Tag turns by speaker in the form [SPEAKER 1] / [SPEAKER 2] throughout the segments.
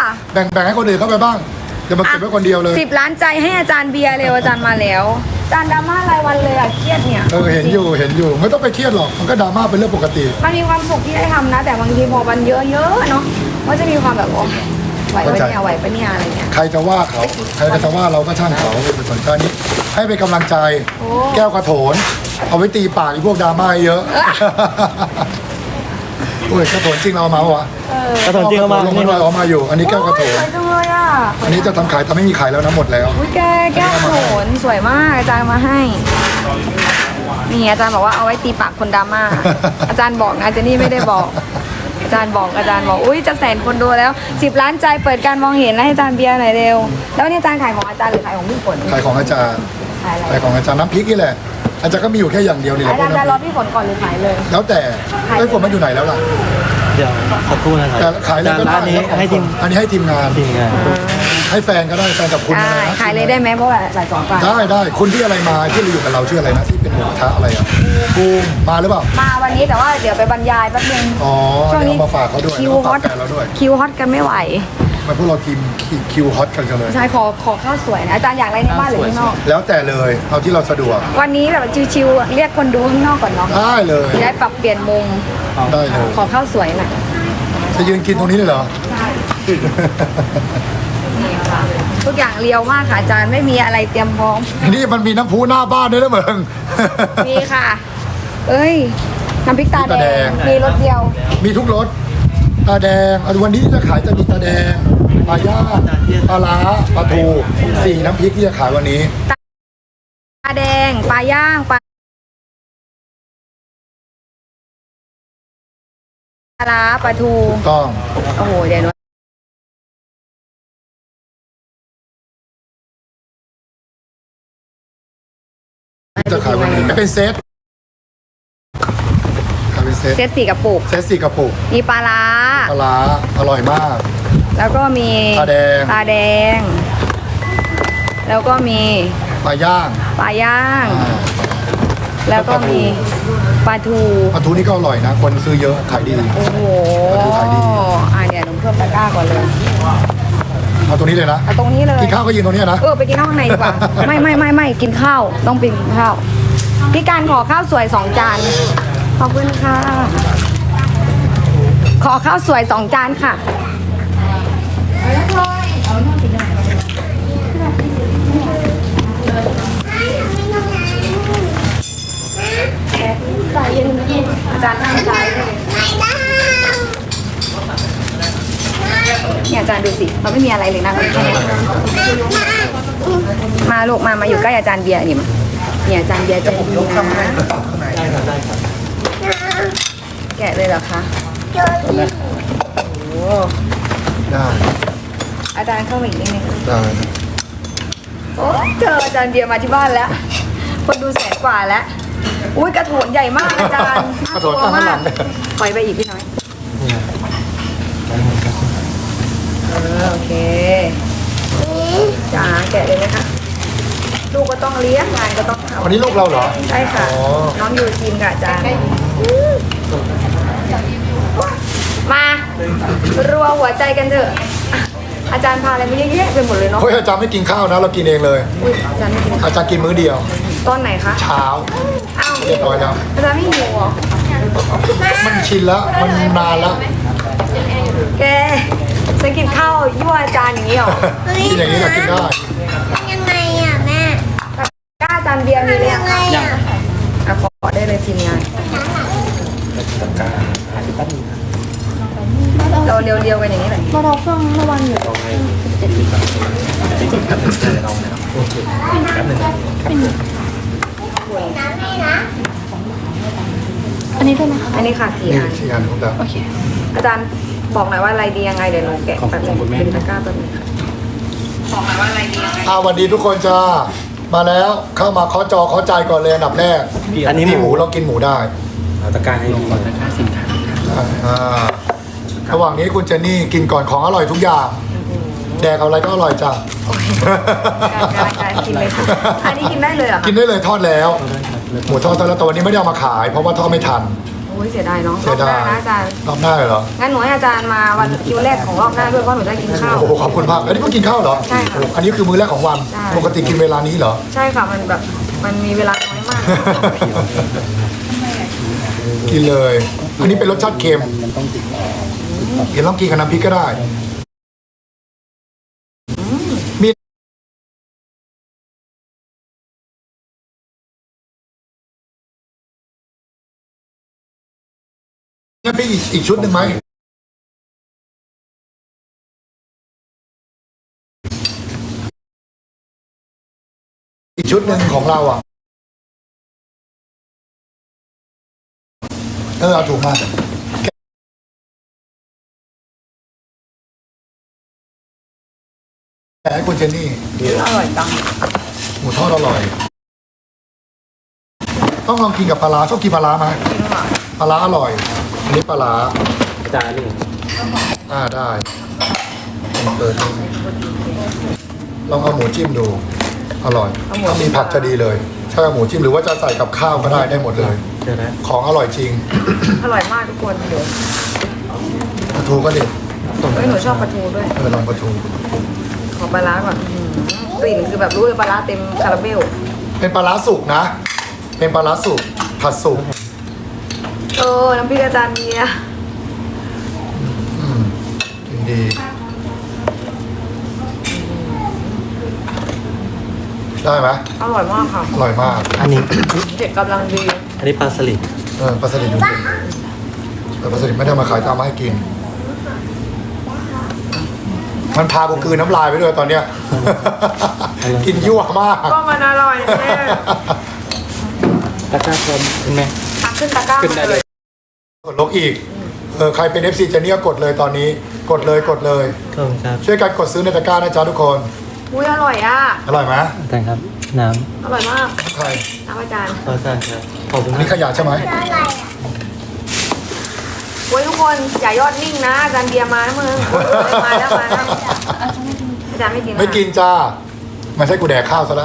[SPEAKER 1] แบ่งให้คนอื่นเข้าไปบ้างอย่ามาเก็บไว้คนเดียวเลย
[SPEAKER 2] 10 ล้านใจให้อาจารย์เบียร์เร็วอาจารย์มาแล้วอาจารย์ดราม่ารายวันเลยอะเครียดเนี่ย
[SPEAKER 1] เห็นอยู่ไม่ต้องไปเครียดหรอกมันก็ดราม่าเป็นเรื่องปกติ
[SPEAKER 2] มันมีความสุขที่ได้ทำนะ แต่บางทีพอมันเยอะๆเนาะมันจะมีความแบบโอ้ไหวปะเนี่ยไหวปะเนี่ยอะไรเงี้ย
[SPEAKER 1] ใครจะว่าเขาใครจะว่าเราก็ช่างเขาเป็นสนใจนี้ให้เป็นกำลังใจ
[SPEAKER 2] โอ้
[SPEAKER 1] แก้วกระโถน เอาไว้ตีปากไอ้พวกดราม่าเยอะโอ้ยกระโถนจริงเราเอามาวะ
[SPEAKER 3] กระโถนจริงเอามา
[SPEAKER 1] ลงมาด้วยเอามาอยู่ อันนี้แก้วกระโถ
[SPEAKER 2] ส
[SPEAKER 1] น
[SPEAKER 2] วยจังเลยอ่ะ
[SPEAKER 1] อันนี้จะทำขายแต่ไม่มีขายแล้วนะหมดแล้ว
[SPEAKER 2] อุ้ยแก้วโขนสวยมากอาจารย์มาให้นี่อาจารย์บอกว่าเอาไว้ตีปากคนดราม่า อาจารย์บอกนะเจนนี่ไม่ได้บอก อาจารย์บอกอุ้ยจะ100,000 คนดูแล้ว10 ล้านใจเปิดการมองเห็นนะให้อาจารย์เบียร์หน่อยเร็วแล้วนี่อาจารย์ขายของอาจารย์หรือขายของพี่ฝน
[SPEAKER 1] ขายของอาจารย์
[SPEAKER 2] ขายอะไร
[SPEAKER 1] ขายของอาจารย์น้ำพริกนี่แหละอาจารย์ก็มีอยู่แค่อย่างเดียวนี่แหละ
[SPEAKER 2] อา
[SPEAKER 1] พว
[SPEAKER 2] จาก รย์จะรอ
[SPEAKER 1] น้ำพริก
[SPEAKER 2] พี่ฝนก่อนหรือขายเลย
[SPEAKER 1] แล้วแต่ไอ้ฝนมันอยู่ไหนแล้วล่ะ
[SPEAKER 3] เดี๋ยวสักครู่นะครับ
[SPEAKER 1] แต่ขายอะไรก็ได้
[SPEAKER 3] ร้านนี้ให้ทีม
[SPEAKER 1] อันนี้ให้ทีมงาน
[SPEAKER 3] ทีมงาน
[SPEAKER 1] ให้แฟนก็ได้แฟนกับคุณ
[SPEAKER 2] ได้
[SPEAKER 1] อะไรนะ
[SPEAKER 2] ขายเลยได้ไหมเพราะว่าหลายสองฝ่าย
[SPEAKER 1] ได้คุณที่อะไรมาที่เราอยู่กับเราชื่ออะไรนะที่เป็นหมูกระทะอะไรอ่ะภูมิมาหรือเปล่า
[SPEAKER 2] มาวันนี้แต่ว่าเดี๋ยวไปบรรยายแป๊บนึง
[SPEAKER 1] อ๋อ
[SPEAKER 2] ช่วงนี้
[SPEAKER 1] เดี๋ยวเอามาฝากเขาด้วย
[SPEAKER 2] คิว
[SPEAKER 1] แล้วก็
[SPEAKER 2] ฮอ
[SPEAKER 1] ฝาก
[SPEAKER 2] ต
[SPEAKER 1] แฟนเราด้วย
[SPEAKER 2] คิวฮอตกันไม่ไหว
[SPEAKER 1] มาพวกเราทีมคิวฮอตกันเลย
[SPEAKER 2] ใช่ขอข้าวสวยนะอาจารย์อยากอะไรในบ้านหรือข้างนอก
[SPEAKER 1] แล้วแต่เลยเอาที่เราสะดวก
[SPEAKER 2] วันนี้แบบชิวๆเรียกคนดูข้างนอกก่อนเนาะ
[SPEAKER 1] ได้เลย
[SPEAKER 2] จะได้ปรับเปลี่ยนมุม
[SPEAKER 1] ได้เลย
[SPEAKER 2] ขอข้าวสวยหน่อย
[SPEAKER 1] จะยืนกินตรงนี้เลยเหรอ
[SPEAKER 2] นี่ค่ะทุกอย่างเรียวมากค่ะอาจารย์ไม่มีอะไรเตรียมพร้อม
[SPEAKER 1] นี่มันมีน้ำพุหน้าบ้านด้วยนะเมือง
[SPEAKER 2] มีค่ะ เอ้ยน้ำพริกตา
[SPEAKER 1] ตา
[SPEAKER 2] แด
[SPEAKER 1] แด
[SPEAKER 2] ง
[SPEAKER 1] ง
[SPEAKER 2] มีรสเดียว
[SPEAKER 1] มีทุกรสตาแดงวันนี้จะขายจะมีตาแดงปลาย่างปลาล้าปลาทู4น้ำพริกที่จะขายวันนี้
[SPEAKER 2] ตาแดงปลาย่างปลาร้าปลาทู
[SPEAKER 1] ถูกต้อง
[SPEAKER 2] โอ้โหเดี๋ยวหนู
[SPEAKER 1] จะขายวันนี้เป็นเซตขายเป็นเซต
[SPEAKER 2] เซต4 กระปุก
[SPEAKER 1] เซต4กระปุก
[SPEAKER 2] มีปลาร้า
[SPEAKER 1] ปลาร้าอร่อยมาก
[SPEAKER 2] แล้วก็มี
[SPEAKER 1] ปลาแดง
[SPEAKER 2] ปลาแดง แล้วก็มี
[SPEAKER 1] ปลาย่าง
[SPEAKER 2] ปลาย่าง
[SPEAKER 1] อ่า
[SPEAKER 2] แล้วก็มีปลาทู
[SPEAKER 1] ปลาทูนี่ก็อร่อยนะ คนซื้อเยอะขายดี
[SPEAKER 2] โอ้โห
[SPEAKER 1] ปลาทูขายดี
[SPEAKER 2] เดี๋ยวหนูเพิ่มตะกร้าก่อนเลย
[SPEAKER 1] เอาตรงนี้เลยนะ
[SPEAKER 2] เอาตรงนี้เลย
[SPEAKER 1] กินข้าวก็ยืนตรงนี้นะ
[SPEAKER 2] ไปกินข้าวข้างในดีกว่า ไม่กินข้าวต้องไปกินข้าวพี่การขอข้าวสวย2 จานขอบคุณค่ะ ขอข้าวสวย2 จานค่ะใส่เย็นอาจารย์นั่งซ้ายเลยเนี่ยอาจารย์ดูสิเราไม่มีอะไรเลยนะแค่นี้มาลูกมาอยู่ใกล้อาจารย์เบียร์นี่มาเนี่ยอาจารย์เบียร์ใจดีนะแกะเลยเหรอคะโอ้
[SPEAKER 1] ได้
[SPEAKER 2] อาจารย์เข้ามาอีกนิดนึง
[SPEAKER 1] ได้
[SPEAKER 2] โอ้เจออาจารย์เบียร์มาที่บ้านแล้ว คนดู100,000 กว่าแล้วอุ้ยกระโถนใหญ่มากอาจารย์
[SPEAKER 1] กระโถนตั้งข้างหลัง
[SPEAKER 2] ปล่อยไปอีกพี่น้อยโอเคจ้าแกะเลยไหมคะลูกก็ต้องเลี้ยงงานก็ต้องทำ
[SPEAKER 1] วันนี้ลูกเราเหรอ
[SPEAKER 2] ใช่ค่ะ
[SPEAKER 1] อ๋อ
[SPEAKER 2] น้องยูทีมกับอาจารย์มารัวหัวใจกันเถอะอ่ะอาจารย์พาอะไรมาเยอะแยะไปหมดเลยเนาะ
[SPEAKER 1] เฮ้ยอาจารย์ไม่กินข้าวนะ เรากินเองเลย
[SPEAKER 2] อุ้ยอาจารย์ไม่กิน
[SPEAKER 1] อาจารย์กินมื้อเดียว
[SPEAKER 2] ตอนไหนคะ
[SPEAKER 1] เช้า
[SPEAKER 2] อ้าว
[SPEAKER 1] เรียบร้อยแล้ว
[SPEAKER 2] อาจารย์ไม่หิวเหรอ
[SPEAKER 1] มันชินแล้วมันนานแล้ว
[SPEAKER 2] แกจะกินข้าวยั่วอาจารย์อย่างนี้เหรอ
[SPEAKER 1] กินอย่างนี้เรากินได้
[SPEAKER 4] ยังไงอ่ะแม่
[SPEAKER 2] กล้าอาจารย์เบียร์มีเลย
[SPEAKER 4] ยังไงอ่ะ
[SPEAKER 2] อ่ะขอได้เลยทีมงานเราเรียวๆกันอย่างนี้เลย
[SPEAKER 4] เราเครื่องเมื่อวันอยู่ อันนี้ด้วยไหมคะ
[SPEAKER 2] อันนี้ค่ะ4
[SPEAKER 1] นี่
[SPEAKER 2] อัน
[SPEAKER 1] 4 อันของเรา
[SPEAKER 4] โอเค
[SPEAKER 2] อาจารย์บอกหน่อยว่าอะไรดียังไงเดี๋ยวหนูแกะแบบนึงเป็นตะกร้าแบบนึงค่ะบอกหน่อยว่าอะไรดียังไง
[SPEAKER 1] สวัสดีทุกคนจ้ามาแล้วเข้ามาเคาะจอเคาะใจก่อนเลยอันดับแรก
[SPEAKER 3] อันนี้
[SPEAKER 1] ที่
[SPEAKER 3] ห
[SPEAKER 1] ห
[SPEAKER 3] มู
[SPEAKER 1] มูเรากินหมูได้
[SPEAKER 3] เอาตะกร้าให้ดูก่อนตะกร้าสินค้า
[SPEAKER 1] อ่าระหว่างนี้คุณเจนนี่กินก่อนของอร่อยทุกอย่าง แดกเอาอะไรก็อร่อยจ้ะ
[SPEAKER 2] การกินเลยค่ะอันนี้กินได้เลยเหรอคะ
[SPEAKER 1] กินได้เลยทอดแล้ว หมูทอดแล้วแต่วันนี้ไม่ได้เอามาขาย เพราะว่าทอดไม่ทัน
[SPEAKER 2] โอ้อ้ยเสียดายเนาะ
[SPEAKER 1] เสี
[SPEAKER 2] รอย บห
[SPEAKER 1] ดา
[SPEAKER 2] น้าย นะอาจารย์
[SPEAKER 1] รอบหน้าเลยเหรอ
[SPEAKER 2] งั้นหนูให้อาจารย์มาวันคิวแรกของรอบหน้าด้วยเพราะหนูจะกินข้าว
[SPEAKER 1] โอ้โหขอบคุณมากอันนี้เพิ่งกินข้าวเหรอ
[SPEAKER 2] ใช่ค่ะ
[SPEAKER 1] โอ้อันนี้คือมื้อแรกของวัน
[SPEAKER 2] ใช่
[SPEAKER 1] ปกติกินเวลานี้เหรอ
[SPEAKER 2] ใช่ค่ะมันแบบมันมีเวลาน้อยมาก
[SPEAKER 1] กินเลย อันนี้เป็นรสชาติเค็มเห็นลองกินกับน้ำพริกก็ได้ มีน้ำพริกอีกชุดหนึ่งไหม อีกชุดหนึ่งของเราอ่ะ เอาถูกมาแหมคุณเจนนี่
[SPEAKER 2] อร่อยจัง
[SPEAKER 1] หมูทอดอร่อย ต้องลองกินกับปลาร้าชอบกินปลาร้าไหม
[SPEAKER 2] จริงค่ะ
[SPEAKER 1] ปลาร้าอร่อยอันนี้ปลาร้า
[SPEAKER 3] อาจารย์นี่
[SPEAKER 1] ได้เปิดลองเอาหมูจิ้มดู อร่อยถ้ามีผักจะดีเลยใช่เอาหมูจิ้มหรือว่าจะใส่กับข้าวก็ได้หมดเลย
[SPEAKER 3] เดี๋ยวนะ
[SPEAKER 1] ของอร่อยจริง
[SPEAKER 2] อร่อยมากทุกคนเดี๋ยว
[SPEAKER 1] ปลาทูก็เด็ด
[SPEAKER 2] เฮ้ยหนูชอบปลาทูด้วย
[SPEAKER 1] ลองปลาทู
[SPEAKER 2] ขอปลาร้าก่อนกลิ่นคือแบบรู้เลยปลาร้าเต็มคาราเบล
[SPEAKER 1] เป็นปลาร้าสุกนะ เป็นปลาร้าสุกผัดสุก
[SPEAKER 2] น้ำพริกอาจารย์เมีย
[SPEAKER 1] กินดี ได้ไหม
[SPEAKER 2] อร่อยมากค่ะ
[SPEAKER 1] อร่อยมาก
[SPEAKER 3] อันนี้
[SPEAKER 2] เด็ดกำลังดี
[SPEAKER 3] อันนี้ปลาสลิด
[SPEAKER 1] ปลาสลิดดูดิแต่ปลาสลิดไม่ได้มาขายตามมาให้กิน มันพากูกลืนน้ำลายไปด้วยตอนเนี้ย กินยั่วมาก
[SPEAKER 2] ก็มันอร่อยแน่
[SPEAKER 3] ตะกร้าพร้อมใช่ไหม
[SPEAKER 2] ตักขึ้นตะกร้า
[SPEAKER 3] ขึ้นได้
[SPEAKER 2] มา
[SPEAKER 3] เล
[SPEAKER 2] เลย ย
[SPEAKER 1] กดลบอีก ใครเป็น FC เจนี่ก็กดเลยตอนนี้ กดเลย
[SPEAKER 3] ขอบคุณครับ
[SPEAKER 1] ช่วยกันกดซื้อในตะกร้านะจ๊ะทุกคน
[SPEAKER 2] อุ้ยอร่อยอ่ะ
[SPEAKER 1] อร่อยไหม
[SPEAKER 3] อาจารย์ครับ น้
[SPEAKER 2] อร่อยมาก
[SPEAKER 1] ใคร
[SPEAKER 2] น้ำอาจารย์
[SPEAKER 3] ำอาจารย์ครับ ขอบคุณ
[SPEAKER 1] อัน
[SPEAKER 3] ค
[SPEAKER 1] นี้
[SPEAKER 3] รับ
[SPEAKER 1] ขยะใช่ไหม
[SPEAKER 2] โอ้ยทุกคนอย่ายอดนิ่งนะอาจารย์เบียร์มานะมึงมาแล้วอาจารย์ไม่กิน
[SPEAKER 1] ไม่กินจ้าไม่ใช่กูแดกข้าวซะแล้ว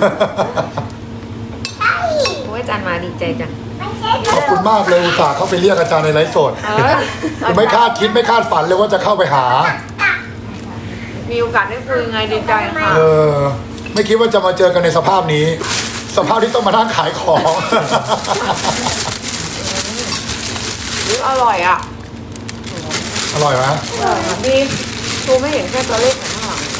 [SPEAKER 2] โอ้ยอาจารย์มาดีใจจัง
[SPEAKER 1] ขอบคุณมากเลยอุตส่าห์เข้าไปเรียกอาจารย์ในไลฟ์สด กูไม่คาดคิดไม่คาดฝันเลยว่าจะเข้าไปหา
[SPEAKER 2] มีโอกาสได้คุยไงดีใจค่ะ
[SPEAKER 1] ไม่คิดว่าจะมาเจอกันในสภาพนี้ สภาพที่ต้องมานั่งขายของ
[SPEAKER 2] อร่อยอ่ะ
[SPEAKER 1] อร่อยไหม
[SPEAKER 2] ดีดูไม่เห็นแค่ตัวเลขไหนข้างหลัง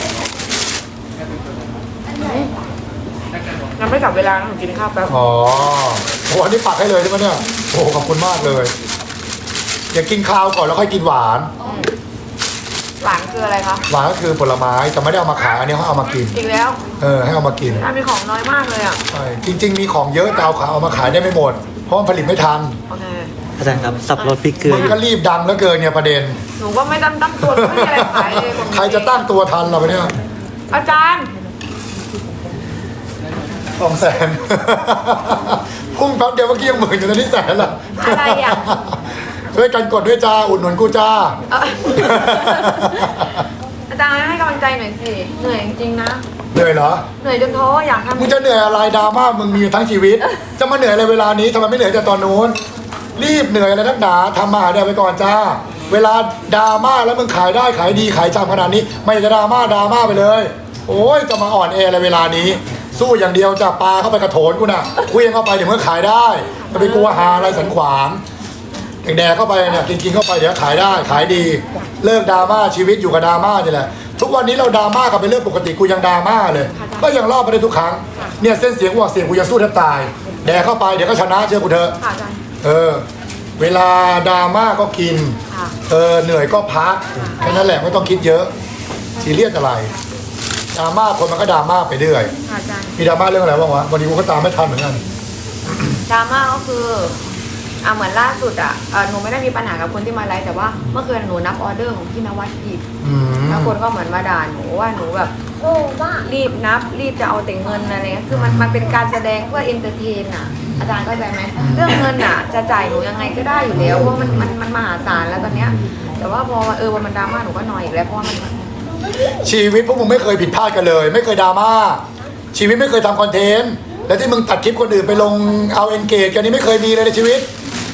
[SPEAKER 2] ยังไม่กลับเวลานะหนูกินข้าวแป๊บ
[SPEAKER 1] อ๋อโหอันนี้ปักให้เลยใช่ไหมเนี่ยโอ้ขอบคุณมากเลยอย่ากินข้าวก่อนแล้วค่อยกินหวาน
[SPEAKER 2] หวานคืออะไรคะ
[SPEAKER 1] หวานก็คือผลไม้แต่ไม่ได้เอามาขายอันนี้เขาเอามากิน
[SPEAKER 2] อีกแล้ว
[SPEAKER 1] ให้เอามากิน
[SPEAKER 2] มีของน้อยมากเลยอ่ะ
[SPEAKER 1] ใช่จริง ๆ มีของเยอะแต่เอามาขายได้ไม่หมด เพราะมันผลิตไม่ทัน
[SPEAKER 2] โอเค
[SPEAKER 3] อาจารย์ครับ สับรสพริกเกลือ
[SPEAKER 1] มัน
[SPEAKER 3] อยู่
[SPEAKER 1] ก็รีบดังแล้วเกินเนี่ยประเด็น
[SPEAKER 2] หนูก็ไม่ตั้งตัวไม่มีอะไรขายเลย
[SPEAKER 1] ใครจะตั้งตัวทันเราไปเนี่ย
[SPEAKER 2] อาจารย์
[SPEAKER 1] 200,000 พุ่งแป๊บเดียวเมื่อกี้ยังหมื่นอยู่ตอนนี้100,000ละ
[SPEAKER 2] อะไรอ่ะ
[SPEAKER 1] ช่วยกันกดด้วยจ้าอุดหนุนกูจ้า
[SPEAKER 2] อาจารย์ให้กำลังใจหน่อยสิเหนื่อยจริงๆนะ
[SPEAKER 1] เหนื่อยเหรอ
[SPEAKER 2] เหนื่อยจนท้ออยากทำ
[SPEAKER 1] มึงจะเหนื่อยอะไรดราม่ามึงมีทั้งชีวิต จะมาเหนื่อยอะไรเวลานี้ทำไมไม่เหนื่อยแต่ตอนนู้นรีบเหนื่อยอะไรนักหนาทำมาหาเดี๋ยวไปก่อนจ้า เวลาดราม่าแล้วมึงขายได้ขายดีขายจำขนาดนี้ ไม่จะดราม่าไปเลย โอ้ยจะมาอ่อนแออะไรเวลานี้ สู้อย่างเดียวจะปลาเข้าไปกระโถนกูน่ะคุยเข้าไปเดี๋ยวมึงขายได้จะไปกลัวหาอะไรสันขวางแดกเข้าไปเนี่ยกินเข้าไปเดี๋ยวขายได้ขายดี เลิกดราม่าชีวิตอยู่กับดราม่านี่แหละทุกวันนี้เราดราม่ากันเป็นเรื่องปกติกูยังดราม่าเลย ก็ยังรอดไปได้ทุกครั้งเนี่ยเส้นเสียงว่าเสียงกูจะสู้แทบตาย แดกเข้าไปเดี๋ยวก็ชนะเชื่อกูเถอะ
[SPEAKER 2] ค่ะอาจารย์
[SPEAKER 1] เวลาดราม่าก็กิน
[SPEAKER 2] ค่ะ
[SPEAKER 1] เหนื่อยก็พักแค่นั้นแหละไม่ต้องคิดเยอะซีเรียสอะไรดราม่าคนมันก็ดราม่าไปเรื่อย
[SPEAKER 2] ค่ะอาจารย์
[SPEAKER 1] มีดราม่าเรื่องอะไรบ้างวะวันนี้กูก็ตามไม่ทันเหมือนกัน
[SPEAKER 2] ดราม่าก็คือเหมือนล่าสุดหนูไม่ได้มีปัญหากับคนที่มาไลฟ์แต่ว่าเมื่อคืนหนูนับออเดอร์ของพี่นวัดผิด
[SPEAKER 1] อืม
[SPEAKER 2] แล้วคนก็เหมือนมาด่าหนูว่าหนูแบบ
[SPEAKER 4] โอ้บ้า
[SPEAKER 2] รีบนับรีบจะเอาแต่เงินอะไรเงี้ยคือมันเป็นการแสดงเพื่อเอนเตอร์เทนอ่ะอาจารย์เข้าใจไหมเรื่องเงินอ่ะจะจ่ายหนูยังไงก็ได้อยู่แล้วเพราะมันมหาศาลแล้วตอนเนี้ยแต่ว่าพอวันมันดราม่าหนูก็นอยอีกแล้วเพราะว่ามัน
[SPEAKER 1] ชีวิตพวกมึงไม่เคยผิดพลาดกันเลย ไม่เคยดราม่าชีวิตไม่เคยทำคอนเทนต์และที่มึงตัดคลิปคนอื่นไปลงเอาเอนเกจกันนี้ไม่เคยมีเลยในชีวิต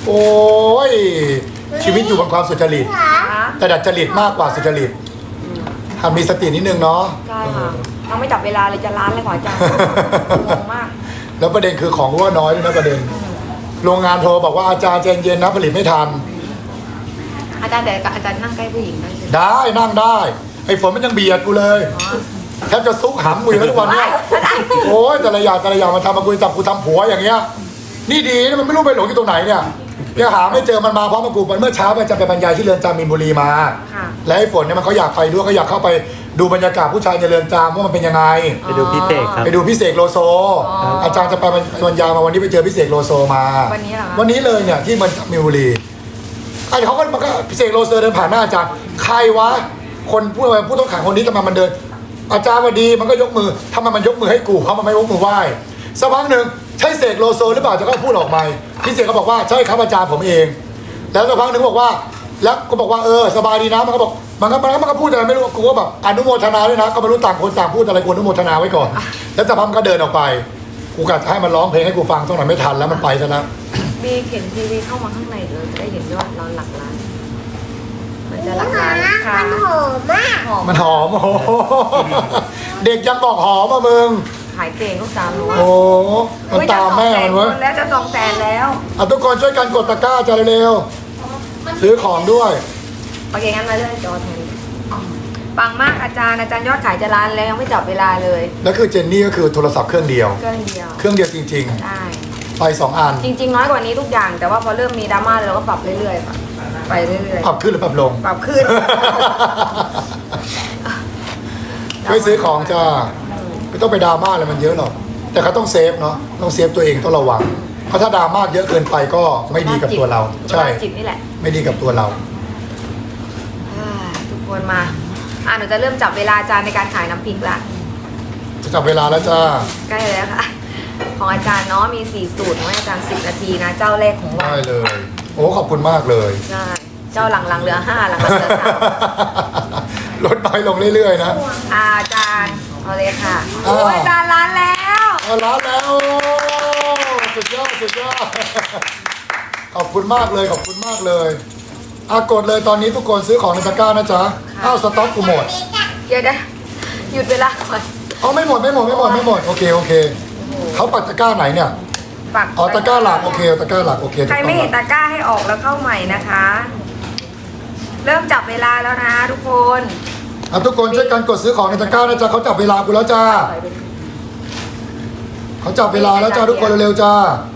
[SPEAKER 1] โอ้ยชีวิตอยู่บนความสุจริต
[SPEAKER 2] คะ
[SPEAKER 1] แต่ดัดจริตมากกว่าสุจริตหัดมีสตินิดนึงเนาะ
[SPEAKER 2] ใช่ค่ะเราไม่จับเวลาเลยจะล้านเลยขออาจารย์งงมาก
[SPEAKER 1] แล้วประเด็นคือของรั่วน้อยด้วยนะประเด็น โรงงานโทรบอกว่าอาจารย์ใจเย็นนะผลิตไม่ทัน
[SPEAKER 2] อาจารย์แต่อาจารย์นั่งใกล้ผู้หญิงได้ใช่ไหม
[SPEAKER 1] ได้นั่งได้ไอ้ฝนมันยังเบียดกูเลยแทบจะซุกหำกูอยู่แล้วทุกวันเนี้ยโอ้ยแต่ละอย่างมาทำมาคุยจับกูทำผัวอย่างเงี้ยนี่ดีนะมันไม่รู้ไปหลงอยู่ตรงไหนเนี่ยยังหาไม่เจอมันมาเพราะมันกูมันเมื่อเช้ามันจะไปบรรยายที่เรือนจำมีนบุรีมา
[SPEAKER 2] ค่ะ
[SPEAKER 1] และไอ้ฝนเนี่ยมันเขาอยากไปด้วยเขาอยากเข้าไปดูบรรยากาศผู้ชายในเรือนจำว่ามันเป็นยังไง
[SPEAKER 3] ไปดูพี่เสกครับ
[SPEAKER 1] ไปดูพี่เสกโลโซ อาจารย์จะไปบรรยายมาวันนี้ไปเจอพี่เสกโลโซมา
[SPEAKER 2] วันนี้เหรอคะ
[SPEAKER 1] วันนี้เลยเนี่ยที่มันมีนบุรีไอ้เขาก็มันก็พี่เสกโลโซเดินผ่านหน้าอาจารย์ใครวะคนผู้ต้องขังคนนี้ทำไมมันเดิน อาจารย์วันดีมันก็ยกมือทำไมมันยกมือให้กูเพราะมันไม่ยกมือไหว้สักพักหนึ่งใช่เสกโลโซหรือเปล่าจะก็พูดออกมาพี่เสกก็บอกว่าใช่ครับอาจารย์ผมเอง แล้วสักพักหนึ่งบอกว่าแล้วก็บอกว่าสบายดีนะมันก็บอกมันก็พูดอะไรไม่รู้กูก็แบบอนุโมทนาด้วยนะก็ไม่รู้ต่างคนต่างพูดอะไรกูอนุโมทนาไว้ก่อนแล้วสักพักมันก็เดินออกไปกูกะจะให้มันร้องเพลงให้กูฟังสักหน่อยไม่ทันแล้วมันไปซะแล้ว
[SPEAKER 2] บีเข็นทีวีเข้ามาข้างในเลยจะได้เห็นยอดเราหลักล้าน มันจะหลักล้านค่ะ
[SPEAKER 4] มันหอมมาก
[SPEAKER 2] หอม
[SPEAKER 1] มันหอมโอ้โหเด็กยังบอกหอมอ่ะมึง
[SPEAKER 2] ขายเก่งลูกสาวหนู
[SPEAKER 1] โอ้มันตามแม่มันเว้ย
[SPEAKER 2] แล้วจะ200,000แล้ว
[SPEAKER 1] ทุกคนช่วยกันกดตะกร้าจะเร็วๆซื้อของด้วย
[SPEAKER 2] โอเคงั้นมาเรื่องจอแทนปังมากอาจารย์ยอดขายจะล้านแล้วยังไม่จับเวลาเลย
[SPEAKER 1] แล้วคือเจนนี่ก็คือโทรศัพท์เครื่องเดียว
[SPEAKER 2] เครื่องเดียว
[SPEAKER 1] เครื่องเดียวจริง
[SPEAKER 2] ได้
[SPEAKER 1] ๆไฟ2 อัน
[SPEAKER 2] จริง ๆ น้อยกว่านี้ทุกอย่าง แต่ว่าพอเริ่มมีดราม่าเราก็ปรับเรื่อยๆค่ะไปเรื่อย
[SPEAKER 1] ปรับขึ้นหรือปรับลง
[SPEAKER 2] ๆปรับขึ้น
[SPEAKER 1] ช่วยซื้อของจ้าไม่ต้องไปดราม่าอะไรมันเยอะหรอกแต่เขาต้องเซฟเนาะต้องเซฟตัวเองต้องระวังเพราะถ้าดราม่าเยอะเกินไปก็ไม่ดีกับตัวเรา ใช่
[SPEAKER 2] จิตนี่แหละ
[SPEAKER 1] ไม่ดีกับตัวเรา
[SPEAKER 2] ทุกคนมาหนูจะเริ่มจับเวลาอาจารย์ในการขายน้ำพริกละ
[SPEAKER 1] จะจับเวลาแล้วจ้า
[SPEAKER 2] ใกล้แล้วค่ะ ของอาจารย์เนาะมี4สูตรของอาจารย์10 นาทีนะ เจ้าแรกของวั
[SPEAKER 1] ได้
[SPEAKER 2] น
[SPEAKER 1] เลย โอ้ขอบคุณมากเลย
[SPEAKER 2] ใช่เจ้าหลังๆเหลือ5หลังๆเหลือ
[SPEAKER 1] ลดน้อยลงเรื่อยๆนะ
[SPEAKER 2] 3อาจารย์เอาเลยค่ะ
[SPEAKER 1] อ่า
[SPEAKER 2] โอ้ยอาจารย์ร้านแล้ว
[SPEAKER 1] เอาร้านแล้วสุดยอดสุดยอดขอบคุณมากเลยขอบคุณมากเลยกดเลยตอนนี้ทุกคนซื้อของในตะกร้านะจ๊ะอ้าวสต็อกกูหมด
[SPEAKER 2] เดี๋ยวได้หยุดเวลาก่อน
[SPEAKER 1] เอาไม่หมดโอเคเขาปักตะกร้าไหนเนี่ย
[SPEAKER 2] ปัก
[SPEAKER 1] อ๋อตะกร้าหลักโอเคตะกร้าหลักโอเค
[SPEAKER 2] ใครไม่เห็นตะกร้าให้ออกแล้วเข้าใหม่นะคะ เริ่มจับเวลาแล้วนะทุกคน
[SPEAKER 1] ทุกคนช่วยกันกดซื้อของในตะกร้านะจ๊ะเขาจับเวลากูแล้วจ้าเขาจับเวลาแล้วจ้าทุกคนเร็วๆจ้า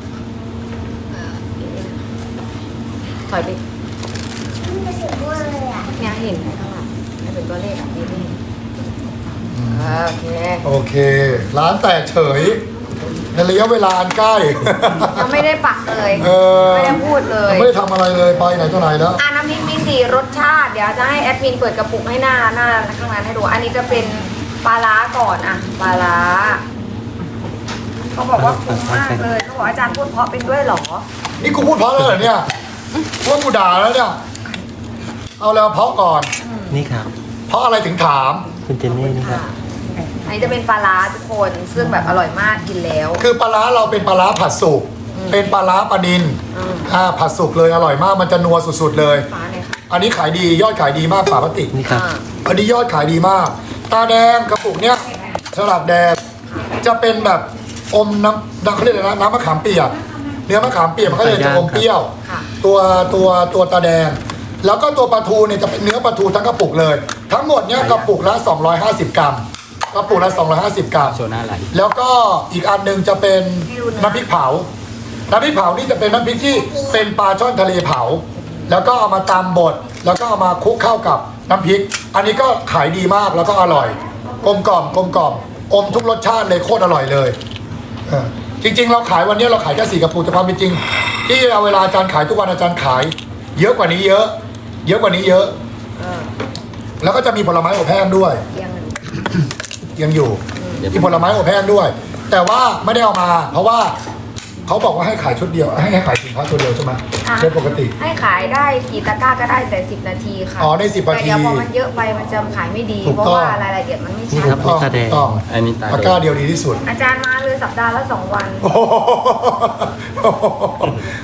[SPEAKER 2] ถอยไป
[SPEAKER 4] มันจะสีม่วงเลยอ่ะ
[SPEAKER 2] เนี่ยเห็นไหมข้างหลังไม่เป็นตัวเลขแบบนี้นี่โอเค
[SPEAKER 1] โอเค ร้านแตกเฉยในระยะเวลาอันใกล้
[SPEAKER 2] ยังไม่ได้ปักเลย
[SPEAKER 1] เออ
[SPEAKER 2] ไม่ได้พูดเลย
[SPEAKER 1] ไม่ได้ทำอะไรเลยไปไหนตัวไหนแล้ว
[SPEAKER 2] น้ำพริกมี4รสชาติ เดี๋ยวจะให้แอดมินเปิดกระปุกให้หน้าข้างหลังให้ดู อันนี้จะเป็นปลาร้าก่อนอะปลาร้าเขาบอกว่าคุ้มมากเลยเขาบอกอาจารย์พูดเพราะเป็นด้วยเหรอ
[SPEAKER 1] นี่กูพูดเพราะเลยเหรอเนี่ยว่ากูด่าแล้วเนี่ย เอาแล้วเพราะก่อน
[SPEAKER 3] นี่ครับ
[SPEAKER 1] เพราะอะไรถึงถาม
[SPEAKER 3] คุณเจนนี่นี่ครับ
[SPEAKER 2] อันนี้จะเป็นปลาร้าทุกคน ซึ่งแบบอร่อยมากกินแล้ว
[SPEAKER 1] คือปลาร้าเราเป็นปลาร้าผัดสุก เป็นปลาร้าปลานิน
[SPEAKER 2] อืม
[SPEAKER 1] ผัดสุกเลยอร่อยมาก มันจะนัวสุดๆเลย
[SPEAKER 2] ฟ้าเลยค่ะ
[SPEAKER 1] อันนี้ขายดียอดขายดีมากฝาพลาสติก
[SPEAKER 3] นี่ครับ
[SPEAKER 1] อันนี้ยอดขายดีมาก ตาแดงกระปุกเนี้ยสลัดแดงจะเป็นแบบอมน้ำเขาเรียกอะไรนะน้ำมะขามเปียกเนื้อมะขามเปียกมันก็เลยจะอมเปรี้ยว
[SPEAKER 2] ค่ะ
[SPEAKER 1] ตัวตาแดง แล้วก็ตัวปลาทูเนี่ยจะเป็นเนื้อปลาทูทั้งกระปุกเลย ทั้งหมดเนี่ยกระปุกละ250 กรัมกระปุกละ250 กรัม
[SPEAKER 5] โชว์หน้าไหล
[SPEAKER 1] แล้วก็อีกอันหนึงจะเป็นน้ำพริกเผา น้ำพริกเผานี่จะเป็นน้ำพริกที่เป็นปลาช่อนทะเลเผา แล้วก็เอามาตำบด แล้วก็เอามาคลุกเข้ากับน้ำพริก อันนี้ก็ขายดีมากแล้วก็อร่อย กลมกล่อมอมทุกรสชาติเลยโคตรอร่อยเลยจริงๆ เราขายวันนี้เราขายแค่4กระปุกแต่ความเป็นจริง ที่เอาเวลาอาจารย์ขายทุกวันอาจารย์ขาย เยอะกว่านี้เยอะ กว่านี้เยอะ
[SPEAKER 2] เออ
[SPEAKER 1] แล้วก็จะมีผลไม้อบแห้งด้วย
[SPEAKER 2] เอียงหนึ่ง
[SPEAKER 1] ยังอยู่มีผลไม้อบแห้งด้วย แต่ว่าไม่ได้เอามา เพราะว่าเขาบอกว่าให้ขายชุดเดียว ให้ขายสินค้าตัวเดียวใช่ไหมโดยปกติ
[SPEAKER 2] ให้ขายได้กี่ตะกร้าก็ได้แต่10 นาทีค่ะ
[SPEAKER 1] อ๋อได้10 นาที
[SPEAKER 2] แต่เดี๋ยวพอมันเยอะไปมันจะขายไม่ดี
[SPEAKER 1] ถูก
[SPEAKER 2] เพราะ
[SPEAKER 1] ต้อง
[SPEAKER 2] ว่ารายละเอียดมันไม่
[SPEAKER 3] นี่
[SPEAKER 2] ชั
[SPEAKER 3] ครั
[SPEAKER 2] ด
[SPEAKER 3] บ
[SPEAKER 1] ต้อง
[SPEAKER 3] ตาแดง
[SPEAKER 1] ต้อง
[SPEAKER 5] อันนี้ตา
[SPEAKER 1] ตะกร้าเดียวดีที่สุด
[SPEAKER 2] อาจารย์มาเลยสัปดาห์ละ2 วัน
[SPEAKER 1] โอ้โห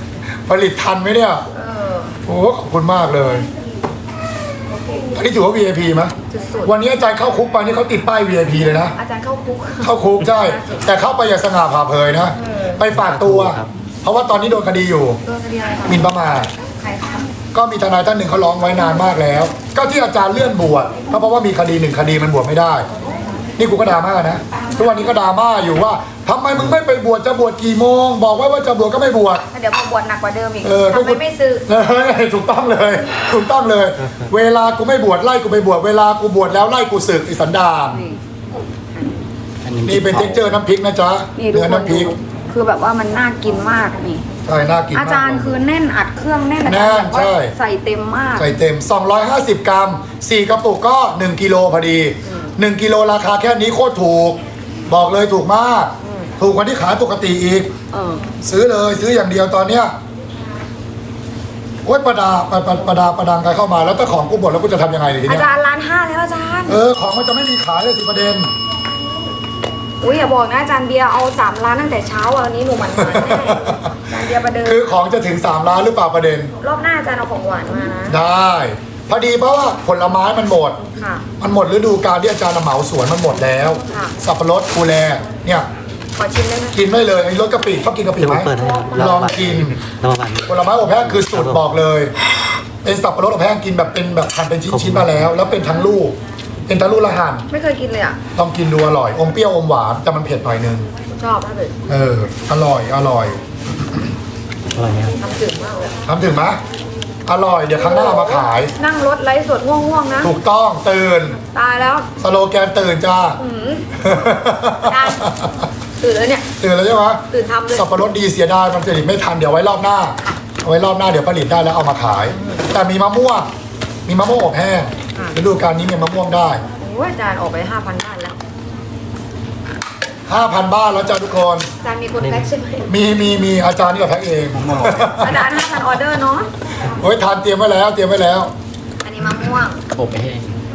[SPEAKER 1] ผลิตทันไหมเนี่ย
[SPEAKER 2] เออ
[SPEAKER 1] โอ้ขอบคุณมากเลยอันนี้ถือว่า VIP ไหม
[SPEAKER 2] สุด
[SPEAKER 1] วันนี้อาจารย์เข้าคุกไปนี่เขาติดป้าย VIP เลยนะ
[SPEAKER 2] ๆอาจารย์เข้าคุก
[SPEAKER 1] เข้าคุกใช่ แต่เข้าไปอย่าสง่าผ่าเผยนะ ไปฝากตัว
[SPEAKER 3] ครับ
[SPEAKER 1] เพราะว่าตอนนี้โดนคดีอยู่
[SPEAKER 2] โดนคดีอะไรคะ
[SPEAKER 1] หมิ่นประมาท
[SPEAKER 2] ใครคะ
[SPEAKER 1] ก็มีทนายท่านหนึ่งเขาร้องไว้นานมากแล้ว ก็ที่อาจารย์เลื่อนบวชก็เพราะว่ามีคดีหนึ่งคดีมันบวชไม่ได้ นี่กูก็ดราม่านะทุกวันนี้ก็ดราม่าอยู่ว่าทำไมมึงไม่ไปบวชจะบวชกี่โมง บอกไว้ว่าจะบวชก็ไม่บวช
[SPEAKER 2] เดี๋ยวมาบวชหนักกว่าเดิมอีก
[SPEAKER 1] เออ
[SPEAKER 2] ทำไมไม่ซื้อ
[SPEAKER 1] ถูกต้องเลยถูกต้องเลย เวลากูไม่บวชไล่กูไปบวชเวลากูบวชแล้วไล่กูสึกไอสันดาน
[SPEAKER 2] นี่
[SPEAKER 1] นี่เป็นเท็กเจอร์น้ำพริกนะจ๊ะ
[SPEAKER 2] นี่ทุก
[SPEAKER 1] เนื้อ
[SPEAKER 2] คน
[SPEAKER 1] น้ำพริก
[SPEAKER 2] ดูคือแบบว่ามันน่ากินมากนี่
[SPEAKER 1] ใช่น่ากินมาก
[SPEAKER 2] อาจารย์คือแน่นอัดเครื่องแน่นอา
[SPEAKER 1] แน่
[SPEAKER 2] จารย์
[SPEAKER 1] น
[SPEAKER 2] แบบว่า
[SPEAKER 1] ใช่
[SPEAKER 2] ใส่เต็มมาก
[SPEAKER 1] ใส่เต็ม 250 กรัม 4 กระปุกก็ 1 กิโลพอดี 1 กิโลราคาแค่นี้โคตรถูก บอกเลยถูกมาก ถูกกว่าที่ขายปกติอีก
[SPEAKER 2] เออ
[SPEAKER 1] ซื้อเลยซื้ออย่างเดียวตอนเนี้ยโอ๊ยประดังใครเข้ามาแล้วถ้าของกูหมดแล้วกูจะทำยังไงที
[SPEAKER 2] อา
[SPEAKER 1] เนี้ย
[SPEAKER 2] จารย์ร้านห้าแล้วอาจารย์
[SPEAKER 1] ของมันจะไม่มีขายเลยสิประเด็น
[SPEAKER 2] อุ้ยอย่าบอกนะอาจารย์เบียร์เอา3 ล้านตั้งแต่เช้าวันนี้หนูหมันแน่อาจารย์เบียร์ประเดิม
[SPEAKER 1] คือของจะถึง3 ล้านหรือเปล่าประเด็น
[SPEAKER 2] รอบหน้าอาจารย์เอาของหวานมานะ
[SPEAKER 1] ได้ พอดีเพราะว่าผลไม้มันหมด
[SPEAKER 2] ค่ะ
[SPEAKER 1] มันหมดฤดูกาลที่อาจารย์เหมาสวนมันหมดแล้ว
[SPEAKER 2] ค่ะ
[SPEAKER 1] สับปะรดคูแลเนี่ย
[SPEAKER 2] ขอชิมได้ไหม
[SPEAKER 1] กินไม่เลยไอ้รสกะปิชอบกินกะปิ
[SPEAKER 3] เดี๋ยว
[SPEAKER 1] ไห
[SPEAKER 3] ผม มเปิดให้
[SPEAKER 1] ลองกิน
[SPEAKER 3] เราบัตร
[SPEAKER 1] ผลไม้อบแห้งคือสูตรบอกเลยเป็นสับปะรดอบแห้งกินแบบเป็นแบบหั่นเป็นชิ้นๆมาแล้ว แล้วเป็นทั้งลูก เป็นทั้งลูกละหั่น
[SPEAKER 2] ไม่เคยกินเลยอ่ะ
[SPEAKER 1] ต้องกินดูอร่อยอมเปรี้ยวอมหวานแต่มันเผ็ดหน่อยนึง
[SPEAKER 2] ชอบมากเลย
[SPEAKER 1] อร่อย
[SPEAKER 3] อร่อยไหมครับ
[SPEAKER 2] ทำจืดมากเลย
[SPEAKER 1] ทำถึงไหมอร่อยเดี๋ยวครั้งหน้าเอามาขาย
[SPEAKER 2] นั่งรถไลฟ์สดง่วงๆนะ
[SPEAKER 1] ถูกต้องตื่น
[SPEAKER 2] ตายแล้ว
[SPEAKER 1] สโลแกนตื่นจ้า
[SPEAKER 2] อืม ได้ ตื่นแล้วเนี่ย
[SPEAKER 1] ตื่นแล้วใช่ไหม
[SPEAKER 2] ตื่นทำเลย
[SPEAKER 1] สับปะรดดีเสียดายมันผลิตไม่ทันเดี๋ยวไว้รอบหน้าเอาไว้รอบหน้าเดี๋ยวผลิตได้แล้วเอามาขาย แต่มีมะม่วงอบแห้งฤดูกาลนี้มีมะม่วงได้
[SPEAKER 2] โอ้ยอาจารย์ออกไป 5,000 บ้านแล้ว
[SPEAKER 1] 5,000 บ้านแล้วจ้าทุกคน
[SPEAKER 2] อาจารย์มีคนแพ็คใช่ไหม
[SPEAKER 1] มีอาจารย์นี่ก็แพ็คเอง
[SPEAKER 2] อาจารย์ 5,000 ออเดอร์เนาะ
[SPEAKER 1] โอ้ยทานเตรียมไว้แล้ว
[SPEAKER 2] อันนี้มะม่วง
[SPEAKER 3] อบไปให้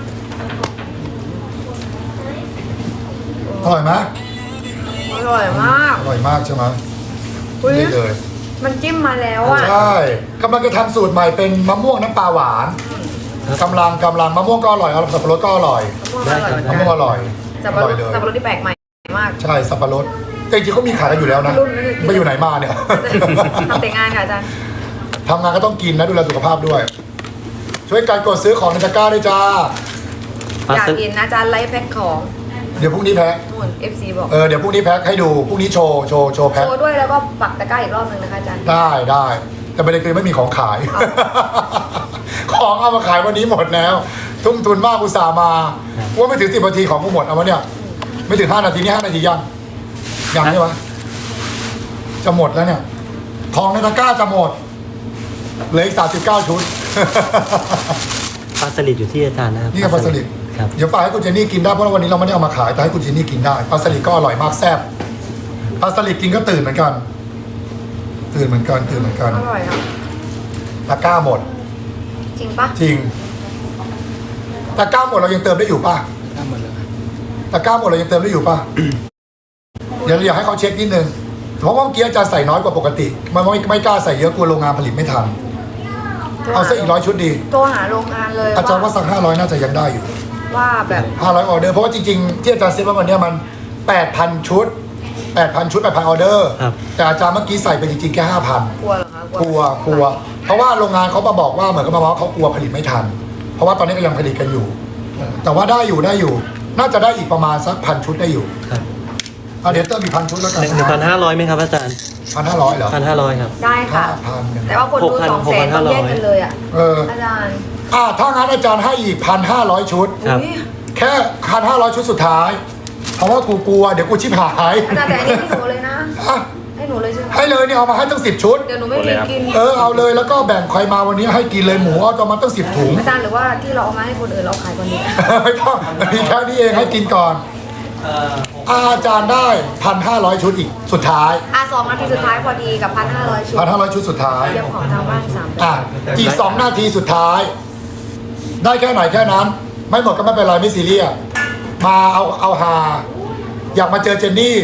[SPEAKER 1] อร่อยไหม
[SPEAKER 2] อร่อยมาก
[SPEAKER 1] อร่อยมากใช่ไหม
[SPEAKER 2] อุ๊ย
[SPEAKER 1] นี่เลย
[SPEAKER 2] มันจิ้มมาแล้วอ่ะ
[SPEAKER 1] ใช่กำลังจะทำสูตรใหม่เป็นมะม่วงน้ำปลาหวานกำลังมะม่วงก็อร่อยสับปะรดก็อร่อย
[SPEAKER 2] มะม่วงอร่อย
[SPEAKER 1] มะม่วงอร่อย
[SPEAKER 2] สับปะรด
[SPEAKER 1] เลย
[SPEAKER 2] สับปะรดที่แปลกใหม่มาก
[SPEAKER 1] ใช่สับปะรดแต่จริงๆเขามีขายกันอยู่แล้วนะ
[SPEAKER 2] รุ่นนั้นเลย
[SPEAKER 1] ไปอยู่ไหนมาเนี่ย
[SPEAKER 2] ทำแต่งานค่ะอาจารย์
[SPEAKER 1] ทำงานก็ต้องกินนะดูแลสุขภาพด้วย ช่วยกันกดซื้อของในตะกร้าด้วยจ้า
[SPEAKER 2] อยากกินนะอาจารย์ไลฟ์แพ็คของ
[SPEAKER 1] เดี๋ยวพรุ่งนี้แพ็ค
[SPEAKER 2] นู่น FC บอก
[SPEAKER 1] เดี๋ยวพรุ่งนี้แพ็คให้ดูพรุ่งนี้โชว์แพ็ค
[SPEAKER 2] โชว์ด้วยแล้วก็ปักตะกร้าอีกรอบนึงนะคะอาจารย์
[SPEAKER 1] ได้แต่ประเด็นคือไม่มีของขาย ของเอามาขายวันนี้หมดแล้ว ทุ่มทุนมากอุตส่าห์มาว่าไม่ถึง10 นาทีของกูหมดเอาวะเนี่ย ไม่ถึง5 นาทีนี่5 นาทียังใช่ไหมจะหมดแล้วเนี่ยทองในตะกร้าจะหมดเหลืออีก39 ชุด
[SPEAKER 3] ปลาสลิดอยู่ที่อาจารย์นะครับ
[SPEAKER 1] นี่กับปลาสลิด
[SPEAKER 3] ครับ
[SPEAKER 1] เดี๋ยวฝากให้คุณเจนนี่กินได้เพราะว่าวันนี้เราไม่ได้เอามาขายแต่ให้คุณเจนนี่กินได้ปลาสลิดก็อร่อยมากแซ่บปลาสลิดกินก็ตื่นเหมือนกัน ตื่นเหมือนกัน
[SPEAKER 2] อร่อยอ่ะ
[SPEAKER 1] ตะกร้าหมด
[SPEAKER 2] จริงปะ
[SPEAKER 1] จริงตะกร้าหมดเรายังเติมได้อยู่ป่ะตะกร้าหมดเรายังเติมได้อยู่ป่ะ เดี๋ยวอยากให้เขาเช็คนิดนึงเพราะว่าเมื่อกี้อาจารย์ใส่น้อยกว่าปกติมันไม่กล้าใส่เยอะกลัวโรงงานผลิตไม่ทันเอาซะอีก100 ชุดดี
[SPEAKER 2] โทรหาโรงงานเลย
[SPEAKER 1] อาจารย์ว่าสัก500น่าจะยังได้อยู่
[SPEAKER 2] ว่าแบบ
[SPEAKER 1] 500 ออเดอร์เพราะว่าจริงๆที่อาจารย์เซ็ตว่าวันเนี้ยมัน 8,000 ชุด 8,000 ชุด 8,000 ออเดอร์
[SPEAKER 3] ครับ
[SPEAKER 1] แต่อาจารย์เมื่อกี้ใส่ไปจริงๆแค่ 5,000
[SPEAKER 2] กลัวเหรอคะ
[SPEAKER 1] กลัว เพราะว่าโรงงานเขามาบอกว่าเหมือนกับมาว่าเขากลัวผลิตไม่ทัน เพราะว่าตอนนี้ก็ยังผลิตกันอยู่ แต่ว่าได้อยู่ น่าจะได้อีกประมาณสัก1,000 ชุดได้อยู่
[SPEAKER 3] ครับ
[SPEAKER 1] เดี๋ยวเติมอีก1,000 ชุดแล้วกัน
[SPEAKER 3] 1,500ไหมครับอาจารย์
[SPEAKER 1] 1,500เหรอ
[SPEAKER 3] 1,500ครับ
[SPEAKER 2] ได้ค่ะ
[SPEAKER 1] 5,000
[SPEAKER 2] แต่ว่าคนดู
[SPEAKER 3] 6,000
[SPEAKER 2] 200,000ต้องแยกกันเลยอ่ะ อาจารย์
[SPEAKER 1] ถ้างั้นอาจารย์ให้อีก 1,500 ชุด
[SPEAKER 3] ครับ
[SPEAKER 2] อุ๊ย
[SPEAKER 1] แค่ 1,500 ชุดสุดท้าย เพราะว่ากูกลัวเดี๋ยวกูชิบหาย
[SPEAKER 2] อาจารย์แต่อันนี้ให้หนูเลยนะ
[SPEAKER 1] อ่ะ
[SPEAKER 2] ให้หนูเลยใช่ไหม
[SPEAKER 1] ให้เลยเนี่ยเอามาให้ตั้ง10 ชุด
[SPEAKER 2] เดี๋ยวหนูไม่มีกิน
[SPEAKER 1] เอาเลยแล้วก็แบ่งใครมาวันนี้ให้กินเลยหมูเอามาตั้ง10 ถุง
[SPEAKER 2] อาจารย์หรือว่าที่เราเอามาให้คนอื่นเราขายคนนี้
[SPEAKER 1] ไม่ต้องมีแค่นี้เองให้กินก่อนอาจารย์ได้ 1,500 ชุดอีกสุดท้าย
[SPEAKER 2] 2 นาทีสุดท้ายพอดีกับ 1,500 ชุด
[SPEAKER 1] 1,500 ชุดสุดท้าย
[SPEAKER 2] เดี๋ยวของทางบ้าน3แบบ
[SPEAKER 1] อีก 2 นาทีสุดท้าย ได้แค่ไหนแค่นั้น ไม่หมดก็ไม่เป็นไรไม่ซีเรียสมาเอาฮาอยากมาเจอเจนนี่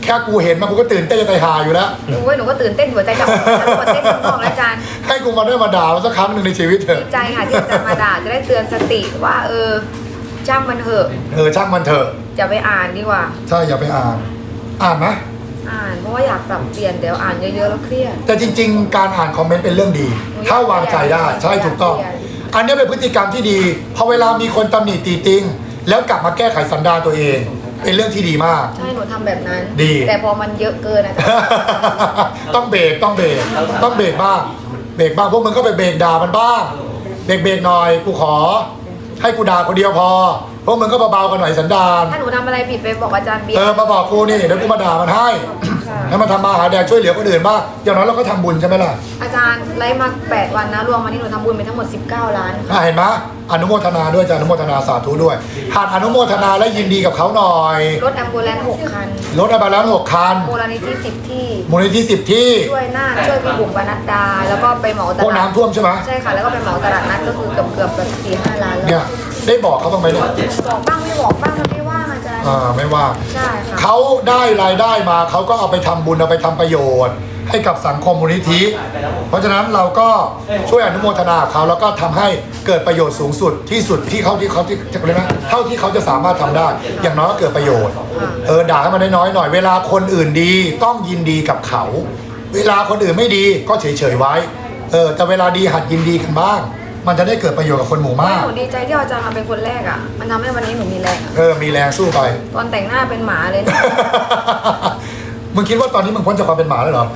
[SPEAKER 1] แค่กูเห็นมันกูก็ตื่นเต้นจะตายหาอยู่แล้ว
[SPEAKER 2] โอ้ยหนูก็ตื่นเต้นหัวใจจะออกหัวเต้นทั้งนอกแล้วอาจารย์
[SPEAKER 1] ให้กูมาได้มาด่ามันสักครั้งหนึ่งในชีวิตเถอะ
[SPEAKER 2] ดีใจค่ะที่อาจารย์มาด่าจะได้เตือนสติว่าจ้างมันเถอะ
[SPEAKER 1] ช่างมันเถอะ
[SPEAKER 2] อย่าไปอ่านดีกว่า
[SPEAKER 1] ใช่อย่าไปอ่านไหม
[SPEAKER 2] อ่านเพราะว่าอยากปรับเปลี่ยนเดี๋ยวอ่านเยอะๆแล้วเครียด
[SPEAKER 1] แต่จริง ๆ การอ่านคอมเมนต์เป็นเรื่องดี ถ้าวางใจได้ใช่ถูกต้อง อันนี้เป็นพฤติกรรมที่ดีพอเวลามีคนตำหนิตีติงแล้วกลับมาแก้ไขสันดานตัวเอง เป็นเรื่องที่ดีมาก
[SPEAKER 2] ใช่หนูทำแบบนั้น
[SPEAKER 1] ดี
[SPEAKER 2] แต่พอมันเยอะเกินอาจารย์
[SPEAKER 1] ต้องเบรกบ้างเบรกบ้างพวกมึงก็ไปเบรกด่ามันบ้างเบรกหน่อยกูขอ ให้กูด่าคนเดียวพอพวกมึงก็เบาๆกันหน่อยสันดาน
[SPEAKER 2] ถ้าหนูทำอะไรผิดไปบอกอาจารย์เบียร์
[SPEAKER 1] มาบอกกูนี่เดี๋ยวกูมาด่ามันให้ให้มันทำมาหาแดกช่วยเหลือคนอื่นบ้างอย่างน้อยเราก็ทำบุญใช่ไหมล่ะ
[SPEAKER 2] อาจารย์ไลฟ์มา8 วันนะรวมมานี่หนูทำบุญไปทั้งหมด19 ล้านค่ะ
[SPEAKER 1] เห็นไหมอนุโมทนาด้วยจ้ะอนุโมทนาสาธุด้วยหากอนุโมทนาและยินดีกับเขาหน่อย
[SPEAKER 2] รถแอมบูเลนซ์6 คัน
[SPEAKER 1] รถอะไรแล้ว6 คัน
[SPEAKER 2] มูลนิธิ10 ที่
[SPEAKER 1] มูลนิธิ10 ที่
[SPEAKER 2] ช่วยพี่บุ๋มปนัดดา แล้วก็ไปเหมาต
[SPEAKER 1] พวก
[SPEAKER 2] ลาด
[SPEAKER 1] น้ำท่วมใช่ไหม
[SPEAKER 2] ใช่ค่ะ แล้วก็ไปเหมาตลาดนัดก็คือเกือบแบบ4-5 ล้านแล้
[SPEAKER 1] เนี่ยว ได้บอกเขาบ้างไหมเนี่ย
[SPEAKER 2] บอกบ้างไม่บอกบ้างมันไม่ว่างอาจารย์
[SPEAKER 1] ไม่ว่า
[SPEAKER 2] ใช่ค่ะ
[SPEAKER 1] เขาได้รายได้มาเขาก็เอาไปทำบุญเอาไปทำประโยชน์ ให้กับสังคมมูลนิธิ เพราะฉะนั้นเราก็ช่วยอนุโมทนาเขาแล้วก็ทำให้เกิดประโยชน์สูงสุดที่สุดที่เขาจะเรียกนะเท่าที่เขาจะสามารถทำได้ อย่างน้อยก็เกิดประโยชน์ด่าให้มันน้อยๆหน่อยเวลาคนอื่นดีต้องยินดีกับเขา เวลาคนอื่นไม่ดีก็เฉยๆไว้แต่เวลาดีหัดยินดีกันบ้าง มันจะได้เกิดประโยชน์กับคนหมู่มาก
[SPEAKER 2] หนูดีใจที่อาจารย์มาเป็นคนแรกอ่ะ มันทำให้วันนี้หนูมีแรงอะ
[SPEAKER 1] มีแรงสู้ไป
[SPEAKER 2] ตอนแต่งหน้าเป็นหมาเลยนะ
[SPEAKER 1] มึงคิดว่าตอนนี้มึงพ้นจากความเป็นหมาแล้วเหรอ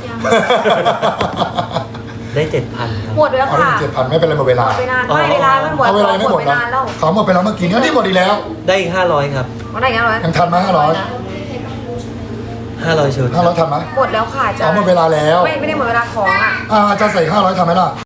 [SPEAKER 3] ได้ 7,000 ครับ
[SPEAKER 2] หมดไปแล้ว
[SPEAKER 1] เอา
[SPEAKER 2] ค่ะ
[SPEAKER 1] ได้7,000ไม่เป็นไรหมดเว
[SPEAKER 2] หม
[SPEAKER 1] ลา
[SPEAKER 2] ดไปนานไม่เวลามันหมด
[SPEAKER 1] เอาเวลาไม่หมด
[SPEAKER 2] ไป
[SPEAKER 1] นะ
[SPEAKER 2] นานแล้ว
[SPEAKER 1] เขาหมดไปแล้วเมื่อกี้นี่หมดอีกแล้ว
[SPEAKER 3] ได้อีก500 ครับ
[SPEAKER 2] มันได้ยังไง
[SPEAKER 1] ยังทันไหม500
[SPEAKER 3] 500 ชุด
[SPEAKER 1] 500ทันไหม
[SPEAKER 2] หมดแล้วค่ะอาจาร
[SPEAKER 1] เอา
[SPEAKER 2] ย์
[SPEAKER 1] หมดเวลาแล้ว
[SPEAKER 2] ไม่ได้หมดเวลาของอ่ะ
[SPEAKER 1] อาจารย์ใส่500ทันไหมล่ะ